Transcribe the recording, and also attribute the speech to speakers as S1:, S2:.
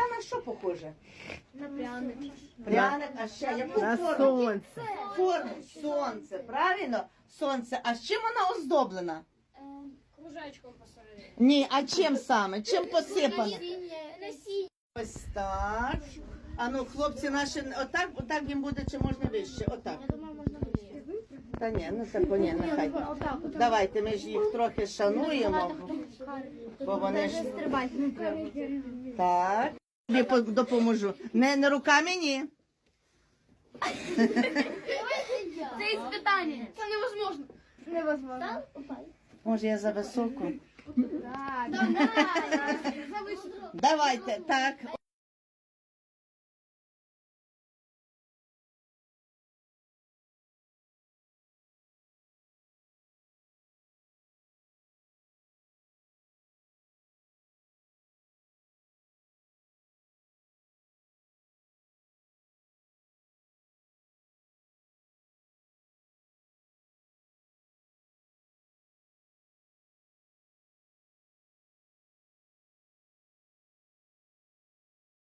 S1: на що похоже?
S2: На пряник.
S1: Пряник, а ще яку
S3: На
S1: форму?
S3: сонце.
S1: Форму сонце, правильно? Сонце. А з чим вона оздоблена?
S2: Кружечком посередині.
S1: Ні, а чим саме? Чим посипана?
S2: Насіння.
S1: Ось так. А ну, хлопці наші, отак їм буде, чи можна вище? Отак.
S2: Я думаю, можна вище.
S1: Та ні, ну так ні, нехай. Давайте, ми ж їх трохи шануємо, бо вони ж...
S2: Стрибати не треба.
S1: Так. Тобі допоможу. Не руками, ні.
S2: Це іспитання. Це невозможно. Невозможно.
S1: Може, я за високу?
S2: Так. Давай.
S1: Давайте, так.